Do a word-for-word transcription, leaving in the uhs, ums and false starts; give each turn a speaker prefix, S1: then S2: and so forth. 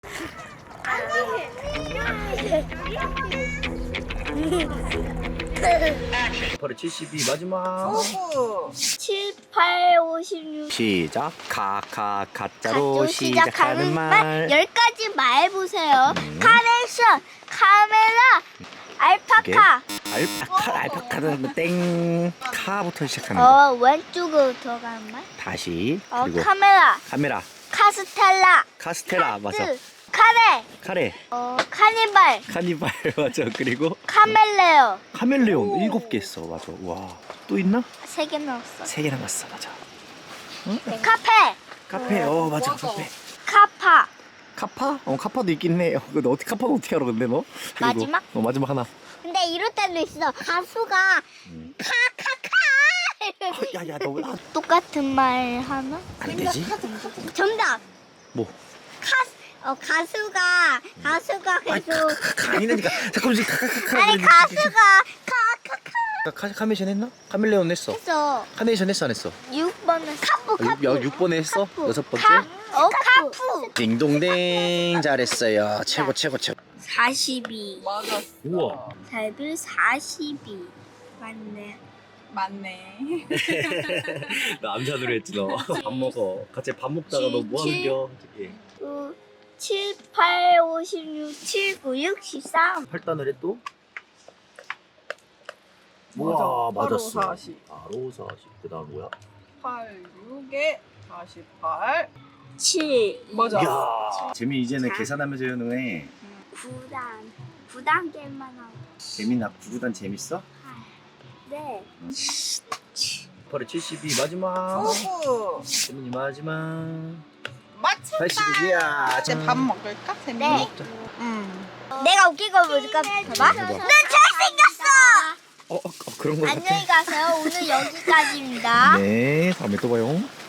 S1: 바로 칠십이 마지막.
S2: 칠, 팔, 오십육.
S1: 시작. 카카 가짜로
S2: 가짜로
S1: 시작하는 말.
S2: 열 가지 말 보세요.
S1: 음.
S2: 카네이션, 카메라, 알파카.
S1: 알파카 알파카는 땡. 카부터 시작하는 거.
S2: 어, 왼쪽으로 들어가는 말.
S1: 다시.
S2: 어,
S1: 그리고
S2: 카메라,
S1: 카메라.
S2: 카스텔라,
S1: 카스테라 맞아.
S2: 카트, 카레,
S1: 카레.
S2: 어, 카니발,
S1: 카니발 맞아. 그리고
S2: 카멜레오.
S1: 카멜레온 일곱 개 있어. 맞아. 와. 또 있나?
S2: 세 개 넣었어.
S1: 세 개 남았어. 맞아.
S2: 카페,
S1: 카페. 어 맞아. 카페.
S2: 카파,
S1: 카파? 어 카파도 있긴 해. 어, 근데 어떻게 카파는 어떻게 알아 근데 너? 그리고,
S2: 마지막?
S1: 어 마지막 하나.
S2: 근데 이럴 때도 있어. 가수가
S1: 음.
S2: 카카카.
S1: 어, 야야 너 왜? 아,
S2: 똑같은 말 하나?
S1: 안 되지?
S2: 정답.
S1: 뭐?
S2: 가수, 어, 가수가 가수가
S1: 아니
S2: 계속
S1: 카카카 아니라니까. 잠깐만 지금 카카카카.
S2: 아니 가수가 카카카
S1: 카 카메이션 했나? 카멜레온 했어.
S2: 해서
S1: 카네이션 했어 안 했어?
S2: 육 번은 카푸
S1: 아,
S2: 카푸.
S1: 육, 야, 육 번에 했어?
S2: 카푸.
S1: 여섯 번째?
S2: 카, 어 카푸.
S1: 딩동댕 잘했어요. 최고 최고 최고.
S2: 사십이.
S3: 맞았어.
S1: 우와.
S2: 달빌 사십이. 맞네.
S3: 맞네.
S1: 나 암산으로 했지 너. 밥 먹어. 같이 밥 먹다가 너 뭐 하는겨?
S2: 구, 칠, 팔, 오십육, 칠, 구, 육, 십삼.
S1: 팔단을 해 또?
S3: 맞아.
S1: 우와
S3: 바로
S1: 맞았어.
S3: 사십.
S1: 바로 사십. 그다음 뭐야?
S3: 팔, 육에 사십팔.
S2: 칠.
S3: 맞아.
S1: 야 재미 이제는
S2: 자.
S1: 계산하면서 해는 애.
S2: 구 단. 구 단계만 하고.
S1: 재미나 구구단 재밌어?
S2: 네.
S1: 바로 칠십이 마지막.
S3: 오구.
S1: 재민이 마지막.
S3: 맞췄다.
S1: 팔십이야.
S3: 이제 밥 먹을까? 재민이?
S2: 네.
S1: 먹자.
S3: 응.
S2: 내가 웃긴 거 보여줄까? 봐봐.
S1: 해봐.
S2: 난 잘생겼어!
S1: 어, 어, 어 그런 거 같아.
S2: 안녕히 가세요. 오늘 여기까지입니다.
S1: 네, 다음에 또 봐요.